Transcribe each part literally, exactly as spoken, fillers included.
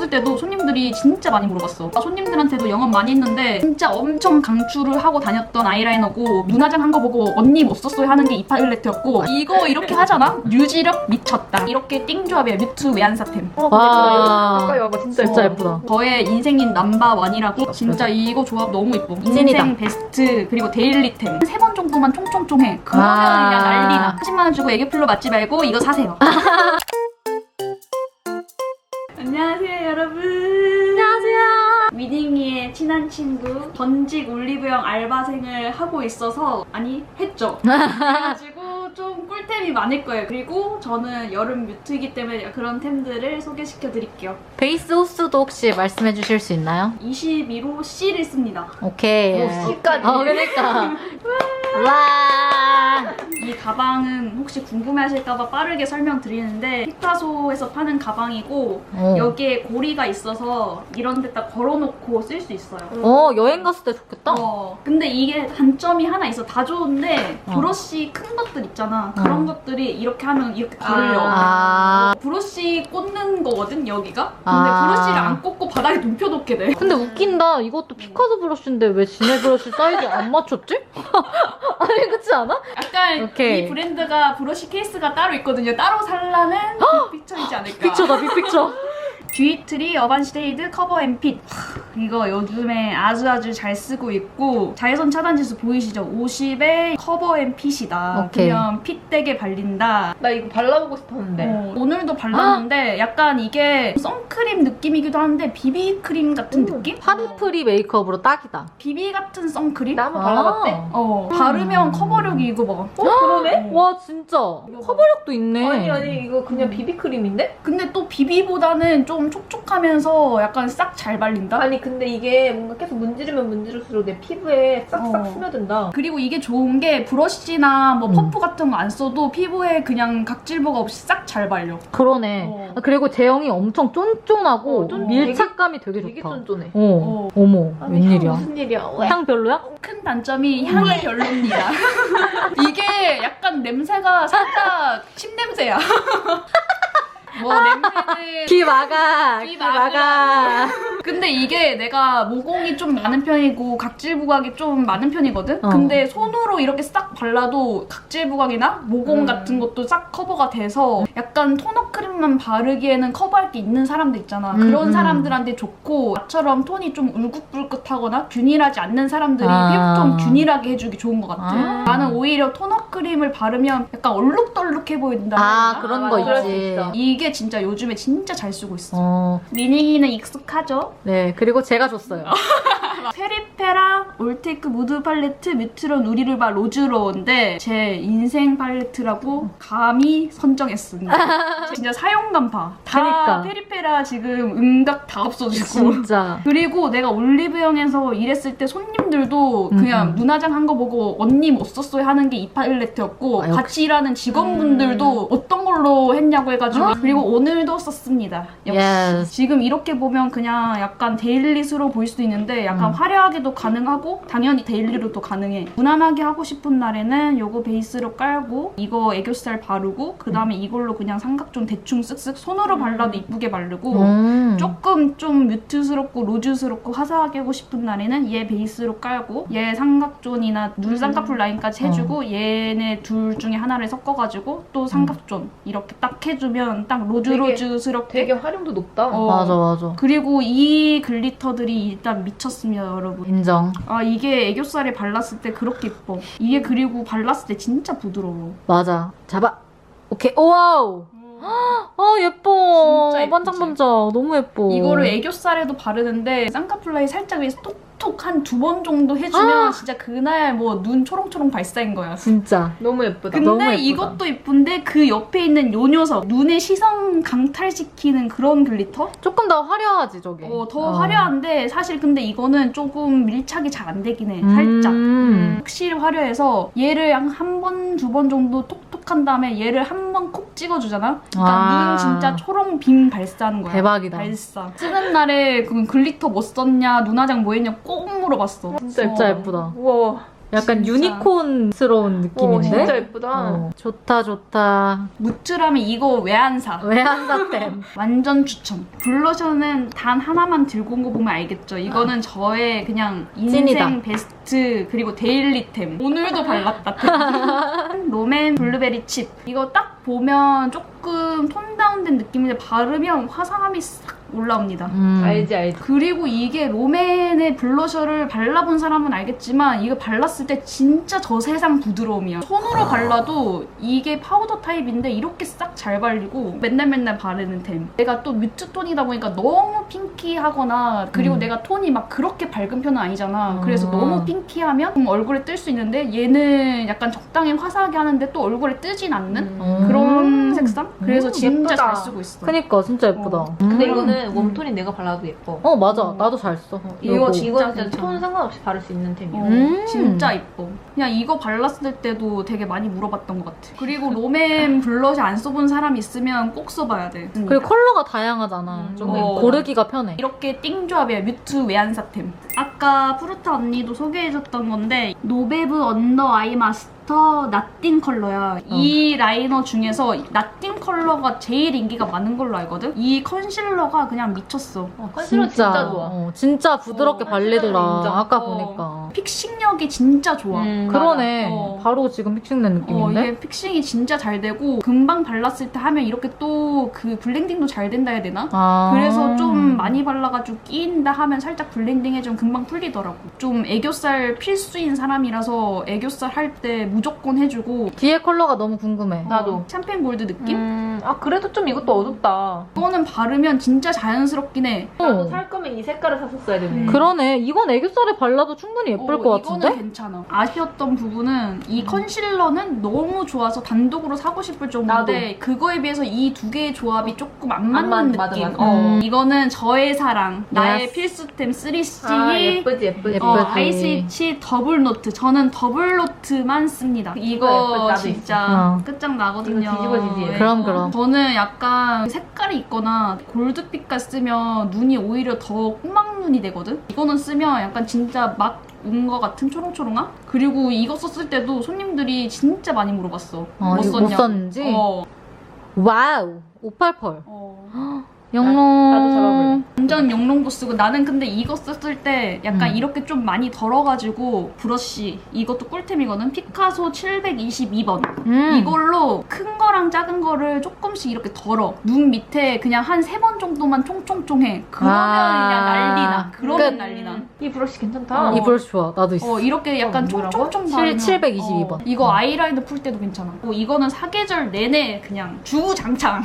했을 때도 손님들이 진짜 많이 물어봤어. 손님들한테도 영업 많이 했는데 진짜 엄청 강추를 하고 다녔던 아이라이너고 눈화장 한 거 보고 언니 못 썼어요 하는 게 이 팔레트였고 이거 이렇게 하잖아? 유지력 미쳤다. 이렇게 띵조합이야. 뮤트 외안사템. 어, 와. 가까이 와봐. 진짜 진짜 예뻐. 예쁘다. 저의 인생인 넘버원이라고. 진짜 이거 조합 너무 예뻐. 인생 찐이다. 베스트 그리고 데일리템 세 번 정도만 총총총 해. 그러면 아. 그냥 난리나. 삼십만 원 주고 애교플로 맞지 말고 이거 사세요. 안녕하세요 여러분. 안녕하세요. 위닝이의 친한 친구 전직 올리브영 알바생을 하고 있어서 아니 했죠. 그래가지고 좀 꿀템이 많을 거예요. 그리고 저는 여름 뮤트이기 때문에 그런 템들을 소개시켜 드릴게요. 베이스 호수도 혹시 말씀해 주실 수 있나요? 이십일 호 C를 씁니다. 오케이. 오, C까지. 어, 그러니까. 와. 이 가방은 혹시 궁금해하실까봐 빠르게 설명드리는데 피카소에서 파는 가방이고 어. 여기에 고리가 있어서 이런 데다 걸어놓고 쓸 수 있어요. 어, 여행 갔을 때 좋겠다. 어, 근데 이게 단점이 하나 있어. 다 좋은데 어. 브러쉬 큰 것들 있잖아. 그런 어. 것들이 이렇게 하면 이렇게 걸려. 아. 브러쉬 꽂는 거거든 여기가. 근데 아. 브러쉬를 안 꽂고 바닥에 눕혀놓게 돼. 근데 웃긴다. 이것도 피카소 브러쉬인데 왜 지네 브러쉬 사이즈 안 맞췄지? 아니, 그렇지 않아? 약간 오케이. 이 브랜드가 브러쉬 케이스가 따로 있거든요. 따로 살라는 빅픽처이지 않을까. 빅픽처다, 빅픽처. 듀이트리 어반쉐이드 커버 앤 핏. 이거 요즘에 아주 아주 잘 쓰고 있고 자외선 차단 지수 보이시죠? 오십에 커버 앤 핏이다. 오케이. 그냥 핏되게 발린다. 나 이거 발라보고 싶었는데. 어, 오늘도 발랐는데 약간 이게 선크림 느낌이기도 한데 비비크림 같은 음. 느낌? 파리프리 메이크업으로 딱이다. 비비 같은 선크림? 나 한번 발라봤대. 어, 바르면 커버력이 이거 봐. 어, 그러네? 와, 진짜. 커버력도 있네. 아니, 아니, 이거 그냥 비비크림인데? 근데 또 비비보다는 좀 촉촉하면서 약간 싹 잘 발린다? 아니, 근데 이게 뭔가 계속 문지르면 문지를수록 내 피부에 싹싹 어. 스며든다. 그리고 이게 좋은 게 브러쉬나 뭐 음. 퍼프 같은 거 안 써도 피부에 그냥 각질보가 없이 싹 잘 발려. 그러네. 어. 아, 그리고 제형이 엄청 쫀쫀하고 어, 쫀- 밀착감이 되게, 되게 좋다. 쫀쫀해. 어. 어머, 아니, 웬일이야. 향 무슨 일이야? 왜? 향 별로야? 큰 단점이 향이 별로입니다. 이게 약간 냄새가 살짝 침냄새야. 뭐 냄새는 귀 막아. 귀 귀 막아. 막으라고. 근데 이게 내가 모공이 좀 많은 편이고 각질 부각이 좀 많은 편이거든? 어. 근데 손으로 이렇게 싹 발라도 각질 부각이나 모공 음. 같은 것도 싹 커버가 돼서 약간 토너 크림만 바르기에는 커버할 게 있는 사람들 있잖아. 음, 그런 음. 사람들한테 좋고 나처럼 톤이 좀 울긋불긋하거나 균일하지 않는 사람들이 아. 피부톤 균일하게 해주기 좋은 것 같아. 아. 나는 오히려 토너 크림을 바르면 약간 얼룩덜룩해 보인다. 아, 해야 되나? 그런 아, 거 그럴 수 있지. 있어. 이게 진짜 요즘에 진짜 잘 쓰고 있어. 어. 미닝이는 익숙하죠? 네, 그리고 제가 줬어요. 페리페라 올테이크 무드 팔레트 뮤트론 우리르바 로즈로운데 제 인생 팔레트라고 감히 선정했습니다. 진짜 사용감 봐. 다 그러니까. 페리페라 지금 음각 다 없어지고. 진짜. 그리고 내가 올리브영에서 일했을 때 손님들도 그냥 음. 눈화장 한 거 보고 언니 못 썼어요 하는 게 이 팔레트였고 아, 역시. 같이 일하는 직원분들도 어떤 걸로 했냐고 해가지고 그리고 오늘도 썼습니다. 역시 Yes. 지금 이렇게 보면 그냥 약간 데일리스러워 보일 수도 있는데 약간 음. 화려하게도 가능하고 당연히 데일리로도 가능해. 무난하게 하고 싶은 날에는 요거 베이스로 깔고 이거 애교살 바르고 그 다음에 이걸로 그냥 삼각존 대충 쓱쓱 손으로 발라도 이쁘게 바르고 음. 조금 좀 뮤트스럽고 로즈스럽고 화사하게 하고 싶은 날에는 얘 베이스로 깔고 얘 삼각존이나 눈 쌍꺼풀 라인까지 해주고 얘네 둘 중에 하나를 섞어가지고 또 삼각존 이렇게 딱 해주면 딱 로즈로즈스럽게 되게 활용도 높다. 어. 맞아, 맞아. 그리고 이 글리터들이 일단 미쳤습니다 여러분. 인정. 아 이게 애교살에 발랐을 때 그렇게 예뻐. 이게 그리고 발랐을 때 진짜 부드러워. 맞아. 잡아. 오케이. 오와우. 아, 예뻐. 진짜 예쁘지? 반짝반짝. 너무 예뻐. 이거를 애교살에도 바르는데 쌍꺼풀 라인 살짝 위에서 톡톡 한 두 번 정도 해주면 아! 진짜 그날 뭐 눈 초롱초롱 발사인 거야. 진짜. 너무 예쁘다. 근데 너무 예쁘다. 이것도 예쁜데 그 옆에 있는 요 녀석 눈의 시선 강탈시키는 그런 글리터? 조금 더 화려하지, 저게. 어, 더 화려한데 사실 근데 이거는 조금 밀착이 잘 안 되긴 해. 음. 살짝. 확실히 화려해서 얘를 한 번, 두 번 정도 톡톡 한 다음에 얘를 한 번 콕 찍어주잖아? 그러니까 아. 눈 진짜 초롱 빔 발사하는 거야. 대박이다. 발사. 쓰는 날에 그 글리터 뭐 썼냐, 눈화장 뭐 했냐 꼭 물어봤어. 진짜 어. 진짜 예쁘다. 우와. 약간 진짜. 유니콘스러운 어, 느낌인데? 진짜 예쁘다. 어, 좋다 좋다. 무트라면 이거 왜 안 사? 왜 안 샀댐? 완전 추천. 블러셔는 단 하나만 들고 온 거 보면 알겠죠. 이거는 저의 그냥 인생 찐이다. 베스트 그리고 데일리템. 오늘도 발랐다. 롬앤 블루베리 칩. 이거 딱 보면 조금 톤 다운된 느낌인데 바르면 화사함이 싹 올라옵니다. 음. 알지 알지. 그리고 이게 롬앤의 블러셔를 발라본 사람은 알겠지만 이거 발랐을 때 진짜 저 세상 부드러움이야. 손으로 발라도 이게 파우더 타입인데 이렇게 싹 잘 발리고 맨날 맨날 바르는 템. 내가 또 뮤트 톤이다 보니까 너무 핑키하거나 그리고 음. 내가 톤이 막 그렇게 밝은 편은 아니잖아. 음. 그래서 너무 핑키하면 좀 얼굴에 뜰 수 있는데 얘는 약간 적당히 화사하게 하는데 또 얼굴에 뜨진 않는 음. 그런 음. 색상? 그래서 음, 진짜 예쁘다. 잘 쓰고 있어. 그니까 진짜 예쁘다. 어. 음. 근데 이거는 웜톤이 내가 발라도 예뻐. 어 맞아. 어. 나도 잘 써. 이거 요거. 이거 진짜 진짜 괜찮아. 톤 상관없이 바를 수 있는 템이야. 어, 음. 진짜 이뻐. 그냥 이거 발랐을 때도 되게 많이 물어봤던 것 같아. 그리고 롬앤 블러셔 안 써본 사람 있으면 꼭 써봐야 돼. 그리고 컬러가 다양하잖아. 음, 좀 어. 고르기가 편해. 이렇게 띵조합이야. 뮤트 외안사템. 아까 푸르타 언니도 소개해줬던 건데 노베브 언더 아이 마스터 나띵 컬러야. 이 라이너 중에서 나띵 컬러가 제일 인기가 많은 걸로 알거든? 이 컨실러가 그냥 미쳤어. 어, 컨실러 진짜, 좋아. 어, 진짜 부드럽게 어, 발리더라. 컨실러는 인정. 아까 어. 보니까. 픽싱력이 진짜 좋아. 음, 그러네. 어. 바로 지금 픽싱된 어, 느낌인데? 이게 픽싱이 진짜 잘 되고 금방 발랐을 때 하면 이렇게 또 그 블렌딩도 잘 된다 해야 되나? 아. 그래서 좀 많이 발라가지고 끼인다 하면 살짝 블렌딩 해주면 금방 풀리더라고. 좀 애교살 필수인 사람이라서 애교살 할 때 무조건 해주고 뒤에 컬러가 너무 궁금해. 나도. 샴페인 골드 느낌? 음, 아 그래도 좀 이것도 어둡다. 이거는 바르면 진짜 자연스럽긴 해. 나도 어. 살 거면 이 색깔을 샀었어야 되네. 음. 그러네. 이건 애교살에 발라도 충분히 예쁠 어, 것 같은데? 이거는 괜찮아. 아쉬웠던 부분은 이 컨실러는 너무 좋아서 단독으로 사고 싶을 정도인데 그거에 비해서 이 두 개의 조합이 조금 안 맞는 맞- 느낌. 맞아, 맞아. 어, 음. 이거는 저의 사랑, 나의 Yes. 필수템 쓰리씨 아 예쁘지 예쁘지. 예쁘지. 어, 아이스위치 더블 노트. 저는 더블 노트만 씁니다. 이거 예쁘지, 나도 진짜 있어. 끝장나거든요. 이거 뒤집어지지. 네. 그럼, 그럼. 저는 약간 색깔이 있거나 골드빛깔 쓰면 눈이 오히려 더 꼬막눈이 되거든? 이거는 쓰면 약간 진짜 막 온 것 같은 초롱초롱함? 그리고 이거 썼을 때도 손님들이 진짜 많이 물어봤어. 어, 뭐 이거 못 썼냐고. 썼는지? 어. 와우. 오팔팔. 어. 영롱. 나도 잡아볼래. 완전 영롱도 쓰고 나는 근데 이거 썼을 때 약간 음. 이렇게 좀 많이 덜어가지고 브러쉬 이것도 꿀템이거든. 피카소 칠백이십이 번 음. 이걸로 큰 거랑 작은 거를 조금씩 이렇게 덜어. 눈 밑에 그냥 한 세 번 정도만 총총총 해. 그러면 아. 그냥 난리나. 그러면 끝. 난리나. 이 브러쉬 괜찮다. 어. 이 브러쉬 좋아. 나도 있어. 어 이렇게 약간 어, 뭐라고? 총총총 칠- 바르면 칠백이십이 번. 어, 이거 아이라이너 풀 때도 괜찮아. 어, 이거는 사계절 내내 그냥 주구장창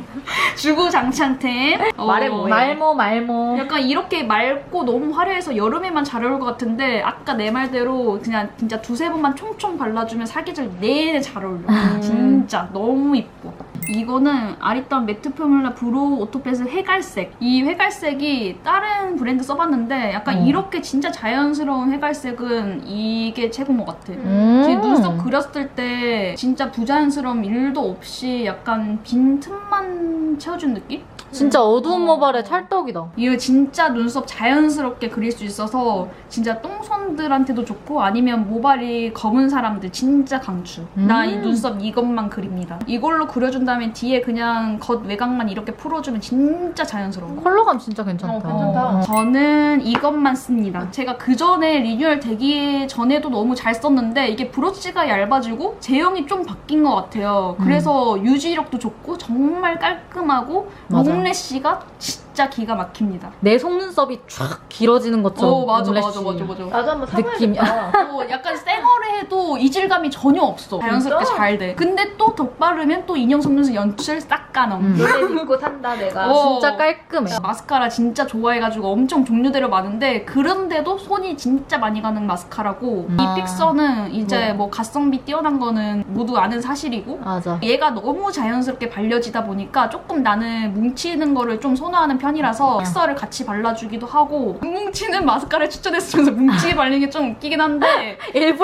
주구장창템. 어, 말해 뭐해. 말모 말모. 약간 이렇게 맑고 너무 화려해서 여름에만 잘 어울릴 것 같은데 아까 내 말대로 그냥 진짜 두세 번만 총총 발라주면 사계절 내내 잘 어울려. 음. 진짜 너무 이뻐. 이거는 아리따운 매트 포뮬라 브로우 오토패스 회갈색. 이 회갈색이 다른 브랜드 써봤는데 약간 어. 이렇게 진짜 자연스러운 회갈색은 이게 최고인 것 같아. 음. 제 눈썹 그렸을 때 진짜 부자연스러움 일도 없이 약간 빈 틈만 채워준 느낌? 진짜 어두운 모발의 찰떡이다. 이거 진짜 눈썹 자연스럽게 그릴 수 있어서 진짜 똥손들한테도 좋고 아니면 모발이 검은 사람들 진짜 강추. 음. 나 이 눈썹 이것만 그립니다. 이걸로 그려준 다음에 뒤에 그냥 겉 외곽만 이렇게 풀어주면 진짜 자연스러워. 컬러감 진짜 괜찮다. 어, 괜찮다. 저는 이것만 씁니다. 제가 그 전에 리뉴얼 되기 전에도 너무 잘 썼는데 이게 브러쉬가 얇아지고 제형이 좀 바뀐 것 같아요. 그래서 유지력도 좋고 정말 깔끔하고 맞아. 롱래쉬가 진짜 기가 막힙니다. 내 속눈썹이 쫙 길어지는 것처럼. 어 맞아 롱래쉬. 맞아 맞아 맞아. 나도 한번 느낌이- 사봐야겠다. 어, 약간 쌩얼에 해도 이질감이 전혀 없어. 자연스럽게 진짜? 잘 돼. 근데 또 덧바르면 또 인형 속눈썹 연출 싹 까넘. 음. 노래 믿고 산다 내가. 어. 진짜 깔끔해. 마스카라 진짜 좋아해가지고 엄청 종류대로 많은데 그런데도 손이 진짜 많이 가는 마스카라고 음. 이 픽서는 이제 뭐. 뭐 가성비 뛰어난 거는 모두 아는 사실이고 맞아. 얘가 너무 자연스럽게 발려지다 보니까 조금 나는 뭉치는 거를 좀 선호하는 편이라서 픽서를 같이 발라주기도 하고 뭉치는 마스카라를 추천했으면서 뭉치게 발리는 게 좀 웃기긴 한데 일부러 뭉치게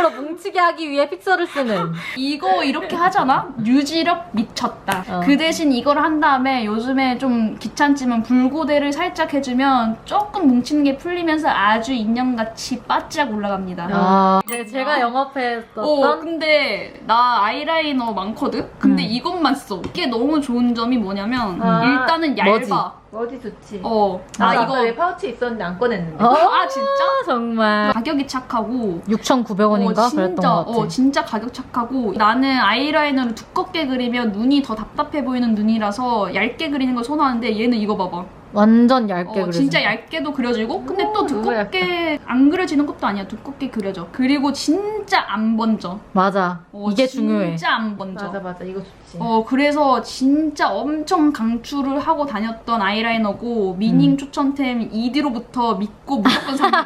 뭉치게 하기 위해 픽서를 쓰는. 이거 이렇게 하잖아? 유지력 미쳤다. 어. 그 대신 이걸 한 다음에 요즘에 좀 귀찮지만 불고데를 살짝 해주면 조금 뭉치는 게 풀리면서 아주 인형같이 바짝 올라갑니다. 아, 제- 제가 영업했었던 어, 근데 나 아이라이너 많거든? 근데 음. 이것만 써. 이게 너무 좋은 점이 뭐냐면 아, 일단은 얇아. 뭐지? 어디 좋지? 어. 나 나 이거 이거 내 파우치 있었는데 안 꺼냈는데. 어? 아 진짜? 정말 가격이 착하고 육천구백 원인가 어, 그랬던 진짜, 것 같아. 어, 진짜 가격 착하고 나는 아이라이너를 두껍게 그리면 눈이 더 답답해 보이는 눈이라서 얇게 그리는 걸 선호하는데 얘는 이거 봐봐. 완전 얇게 어, 그려진 진짜 거. 얇게도 그려지고 근데 오, 또 너무 두껍게 안 그려지는 것도 아니야. 두껍게 그려져. 그리고 진짜 안 번져. 맞아. 어, 이게 중요해. 진짜 안 번져. 맞아 맞아 이거 좋지. 어 그래서 진짜 엄청 강추를 하고 다녔던 아이라이너고 미닝 음. 추천템 이 디로부터 믿고 무조건 삽니다.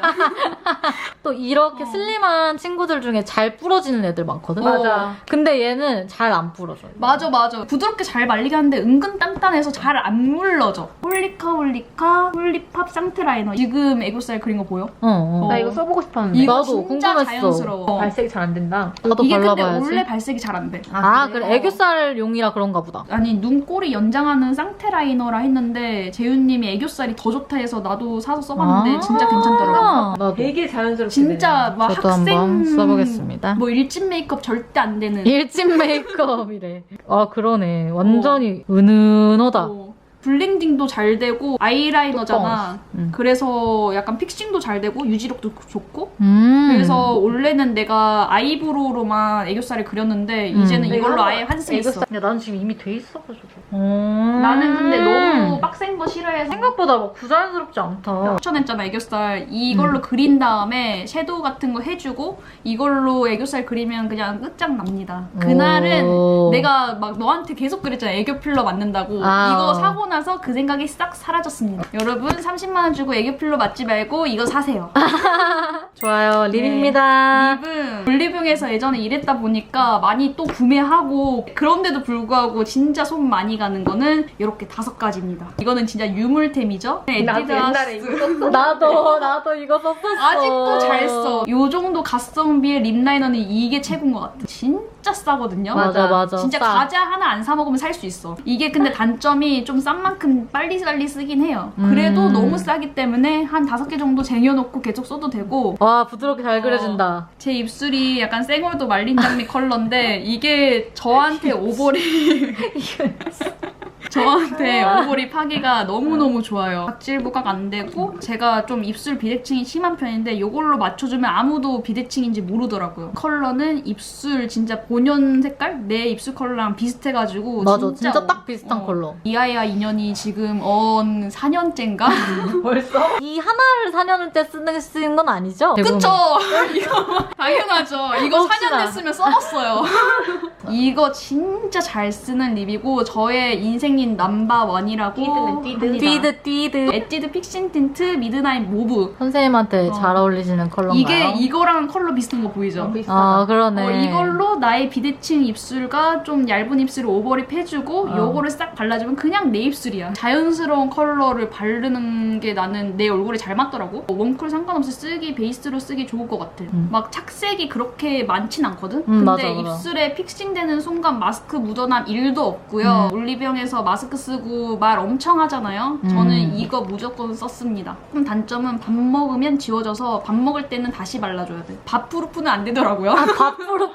또 이렇게 어. 슬림한 친구들 중에 잘 부러지는 애들 많거든. 어. 맞아. 근데 얘는 잘 안 부러져. 맞아 맞아. 부드럽게 잘 말리게 하는데 은근 단단해서 잘 안 물러져. 홀리카 홀리카 홀리팝 상태 라이너. 지금 애교살 그린 거 보여? 어, 어. 나 이거 써보고 싶었는데. 이거 나도 진짜 궁금했어. 자연스러워. 발색이 잘 안 된다. 나도 이게 근데 발라봐야지. 원래 발색이 잘 안 돼. 아, 그래. 애교살용이라 그런가 보다. 아니 눈꼬리 연장하는 상태 라이너라 했는데 재윤님이 애교살이 더 좋다 해서 나도 사서 써봤는데 아, 진짜 괜찮더라고. 나도. 되게 자연스럽게. 진짜 막 저도 학생 한번 써보겠습니다. 뭐 일진 메이크업 절대 안 되는. 일진 메이크업이래. 아, 그러네. 완전히 은은하다. 어, 블렌딩도 잘 되고 아이라이너잖아. 음. 그래서 약간 픽싱도 잘 되고 유지력도 좋고. 음. 그래서 원래는 내가 아이브로우로만 애교살을 그렸는데 음. 이제는 이걸로 내가 아예 환승했어. 근데 나는 지금 이미 돼 있어가지고. 음. 나는 근데 너무 빡센 거 싫어해서 생각보다 막 부자연스럽지 않다. 추천했잖아 애교살. 이걸로 음. 그린 다음에 섀도우 같은 거 해주고 이걸로 애교살 그리면 그냥 끝장납니다. 그날은 오. 내가 막 너한테 계속 그랬잖아. 애교 필러 맞는다고. 아. 이거 사고 나서 그 생각이 싹 사라졌습니다. 여러분 삼십만 원 주고 애교 필러 맞지 말고 이거 사세요. 좋아요. 립입니다. 립은 올리브영에서 예전에 일했다 보니까 많이 또 구매하고 그런데도 불구하고 진짜 손 많이 가는 거는 이렇게 다섯 가지입니다. 이거는 진짜 유물템이죠. 나도 옛날에 에뛰드 이거 썼어. 나도 나도 이거 썼었어. 아직도 잘 써. 요 정도 가성비의 립 라이너는 이게 최고인 것 같아. 진짜 싸거든요. 맞아 맞아. 진짜 싸. 과자 하나 안 사 먹으면 살 수 있어. 이게 근데 단점이 좀 싼 만큼 빨리빨리 쓰긴 해요. 그래도 음. 너무 싸기 때문에 한 다섯 개 정도 쟁여놓고 계속 써도 되고. 와 부드럽게 잘 그려진다. 제 입술이 약간 생얼도 말린 장미 컬러인데 이게 저한테 오버립 저한테 오버립 하기가 너무너무 좋아요. 각질 부각 안 되고 제가 좀 입술 비대칭이 심한 편인데 이걸로 맞춰주면 아무도 비대칭인지 모르더라고요. 컬러는 입술 진짜 본연 색깔? 내 입술 컬러랑 비슷해가지고 맞아 진짜, 딱 비슷한 어, 컬러. 이하이와 인연이 지금 언 사 년째인가? 벌써? 이 하나를 사 년 때 쓰는 쓰는 건 아니죠? 그쵸? 이거 당연하죠. 이거 사 년 혹시나. 됐으면 써봤어요. 이거 진짜 잘 쓰는 립이고 저의 인생린 넘버원이라고 띠드는 띠드. 합니다. 띠드 띠드. 에뛰드 픽싱 틴트 미드나잇 모브. 선생님한테 어. 잘 어울리시는 컬러인가요? 이게 이거랑 컬러 비슷한 거 보이죠? 어, 비슷하다. 아 그러네. 어, 이걸로 나의 비대칭 입술과 좀 얇은 입술을 오버립 해주고 어. 요거를 싹 발라주면 그냥 내 입술이야. 자연스러운 컬러를 바르는 게 나는 내 얼굴에 잘 맞더라고. 웜쿨 상관없이 쓰기 베이스로 쓰기 좋을 것 같아. 음. 막 착색이 그렇게 많진 않거든? 음, 근데 맞아, 맞아. 입술에 픽싱되는 순간 마스크 묻어남 일도 없고요. 올리브영에서 마스크 쓰고 말 엄청 하잖아요. 음. 저는 이거 무조건 썼습니다. 그럼 단점은 밥 먹으면 지워져서 밥 먹을 때는 다시 발라줘야 돼. 밥 프루프는 안 되더라고요. 밥으로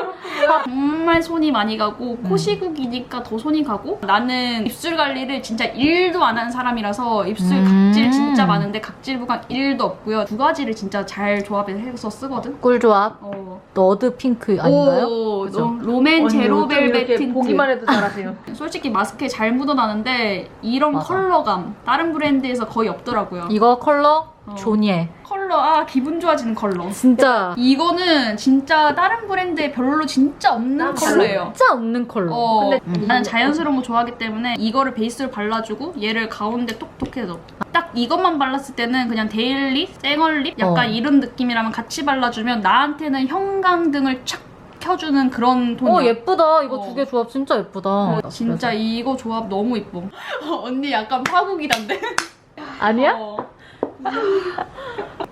정말 손이 많이 가고 음. 코시국이니까 더 손이 가고 나는 입술 관리를 진짜 일도 안 한 사람이라서 입술 음. 각질 진짜 많은데 각질 부각 일도 없고요. 두 가지를 진짜 잘 조합해서 쓰거든. 꿀조합 어. 너드 핑크 아닌가요? 오, 그죠? 로- 로맨 언니 제로 어쩜 벨벳 이렇게 틴트. 보기만 해도 잘하세요. 솔직히 마스크에 잘 묻어나는데 이런 맞아. 컬러감 다른 브랜드에서 거의 없더라고요. 이거 컬러 어. 조니에 컬러 아 기분 좋아지는 컬러. 진짜 이거는 진짜 다른 브랜드에 별로 진짜 없는 난 컬러예요. 진짜 없는 컬러. 어, 근데 음. 나는 자연스러운 거 좋아하기 때문에 이거를 베이스로 발라주고 얘를 가운데 톡톡 해줘. 딱 이것만 발랐을 때는 그냥 데일리, 생얼립 약간 어. 이런 느낌이라면 같이 발라주면 나한테는 형광등을 착 켜주는 그런 톤이야. 어 예쁘다. 이거 어. 두 개 조합 진짜 예쁘다. 어, 진짜 이거 조합 너무 이뻐. 언니 약간 파국이란데? 아니야? 어.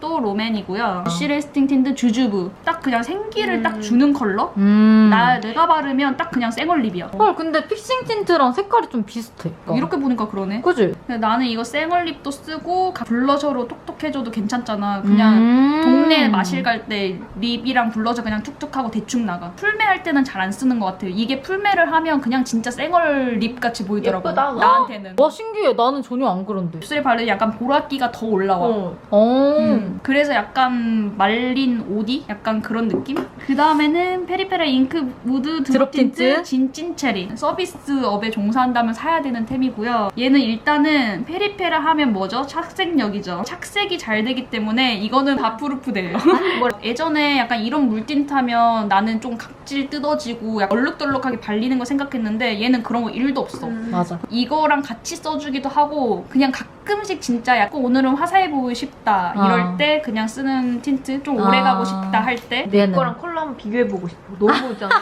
또 롬앤이고요. 시 레스팅 틴트 주주부. 딱 그냥 생기를 음. 딱 주는 컬러? 음. 나 내가 바르면 딱 그냥 생얼립이야. 헐, 근데 픽싱 틴트랑 색깔이 좀 비슷해. 이렇게 보니까 그러네. 그지? 근데 나는 이거 생얼립도 쓰고 블러셔로 톡톡해줘도 괜찮잖아. 그냥 음. 동네 마실 갈 때 립이랑 블러셔 그냥 툭툭 하고 대충 나가. 풀메 할 때는 잘 안 쓰는 것 같아요. 이게 풀메를 하면 그냥 진짜 생얼 립 같이 보이더라고. 예쁘다. 나한테는. 와, 신기해. 나는 전혀 안 그런데. 입술에 바르면 약간 보랏기가 더 올라와. 어. 어. 음, 그래서 약간 말린 오디? 약간 그런 느낌? 그 다음에는 페리페라 잉크 무드 드롭 드롭 틴트? 틴트 진찐체리. 서비스업에 종사한다면 사야 되는 템이고요. 얘는 일단은 페리페라 하면 뭐죠? 착색력이죠. 착색이 잘 되기 때문에 이거는 다 프루프돼요. 뭐 예전에 약간 이런 물틴트 하면 나는 좀 각질 뜯어지고 약간 얼룩덜룩하게 발리는 거 생각했는데 얘는 그런 거 일도 없어. 음. 맞아. 이거랑 같이 써주기도 하고 그냥 가끔씩 진짜 약간 오늘은 화사해 보이고 싶다 이럴 아. 때 그냥 쓰는 틴트 좀 오래 아. 가고 싶다 할 때 얘는. 이거랑 컬러 한번 비교해보고 싶어. 너무 이상해.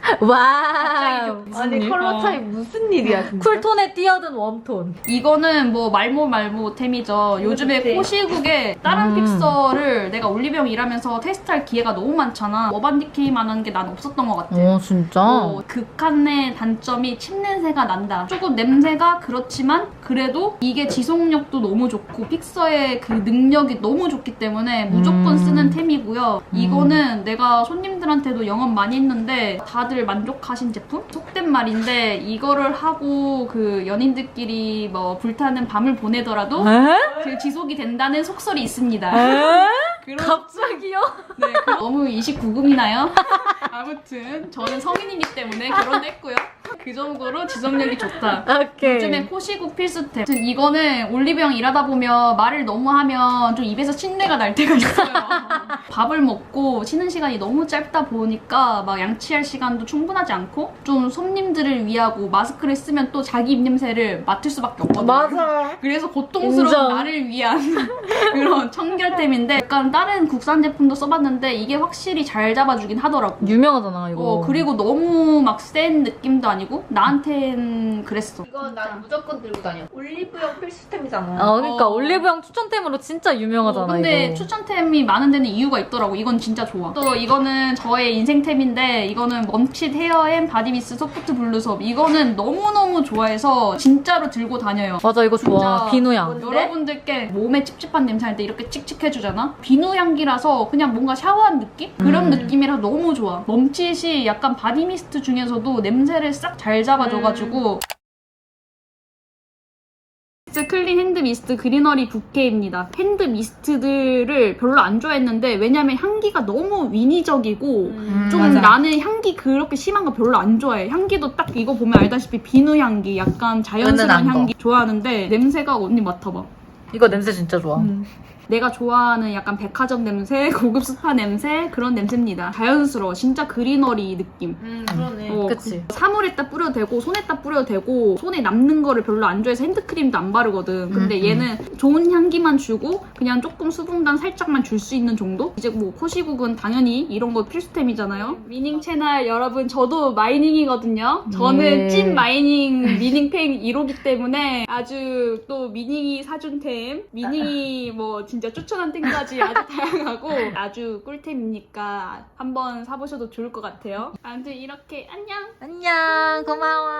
와. 아니 일? 컬러 어. 차이 무슨 일이야 진짜. 쿨톤에 뛰어든 웜톤. 이거는 뭐 말모 말모 템이죠. 요즘에 그치. 코시국에 다른 음. 픽서를 내가 올리브영 일하면서 테스트할 기회가 너무 많잖아. 어반디케이만한 게 난 없었던 것 같아. 어, 진짜? 어, 극한의 단점이 침 냄새가 난다. 조금 냄새가 그렇지만 그래도 이게 지속력도 너무 좋고 픽서의 그 능력이 너무 좋기 때문에 무조건 음. 쓰는 템이고요. 음. 이거는 내가 손님들한테도 영업 많이 했는데 다들 만족하신 제품? 속된 말인데 이거를 하고 그 연인들끼리 뭐 불타는 밤을 보내더라도 에? 그 지속이 된다는 속설이 있습니다. 에? 그런- 갑자기요? 네, 그- 너무 이십구 금이나요? 아무튼 저는 성인이기 때문에 결혼도 했고요. 그 정도로 지속력이 좋다. 오케이. 요즘에 코시국 필수템. 아무튼 이거는 올리브영 일하다 보면 말을 너무 하면 좀 입에서 신내가 날 때가 있어요. 밥을 먹고 쉬는 시간이 너무 짧다 보니까 막 양치할 시간도 충분하지 않고 좀 손님들을 위하고 마스크를 쓰면 또 자기 입냄새를 맡을 수밖에 없거든요. 맞아. 그래서 고통스러운 인정. 나를 위한 그런 청결템인데 약간 다른 국산 제품도 써봤는데 이게 확실히 잘 잡아주긴 하더라고. 유명하잖아, 이거. 어, 그리고 너무 막 센 느낌도 아니고 나한텐 그랬어. 이거 난 무조건 들고 다녀. 올리브영 필수템이잖아. 아, 그러니까 어. 올리브영 추천템으로 진짜 유명하잖아, 어, 근데 이거. 추천템이 많은 데는 이유가 있더라고. 이건 진짜 좋아. 또 이거는 저의 인생템인데 이거는 먼칫 헤어앤 바디미스 소프트 블루섭. 이거는 너무너무 좋아해서 진짜로 들고 다녀요. 맞아, 이거 좋아. 진짜 비누향. 뭔데? 여러분들께 몸에 찝찝한 냄새 날 때 이렇게 칙칙해주잖아? 비누 향기라서 그냥 뭔가 샤워한 느낌? 그런 음. 느낌이라 너무 좋아. 멈칫이 약간 바디미스트 중에서도 냄새를 싹 잘 잡아줘가지고 클린 핸드 미스트 그리너리 부케입니다. 핸드 미스트들을 별로 안 좋아했는데 왜냐면 향기가 너무 인위적이고 음. 좀 맞아. 나는 향기 그렇게 심한 거 별로 안 좋아해. 향기도 딱 이거 보면 알다시피 비누 향기, 약간 자연스러운 은은한 거. 향기 좋아하는데 냄새가 언니 맡아봐. 이거 냄새 진짜 좋아. 음. 내가 좋아하는 약간 백화점 냄새, 고급 스파 냄새 그런 냄새입니다. 자연스러워. 진짜 그리너리 느낌. 음 그러네. 어, 그치. 그 사물에다 뿌려도 되고 손에다 뿌려도 되고 손에 남는 거를 별로 안 좋아해서 핸드크림도 안 바르거든. 근데 음, 얘는 좋은 향기만 주고 그냥 조금 수분감 살짝만 줄 수 있는 정도? 이제 뭐 코시국은 당연히 이런 거 필수템이잖아요. 미닝 채널 여러분 저도 마이닝이거든요. 저는 예. 찐 마이닝 미닝팬 일 호기 때문에 아주 또 미닝이 사준 템, 미닝이 뭐 진짜 추천한 템까지 아주 다양하고 아주 꿀템이니까 한번 사보셔도 좋을 것 같아요. 아무튼 이렇게 안녕! 안녕, 고마워.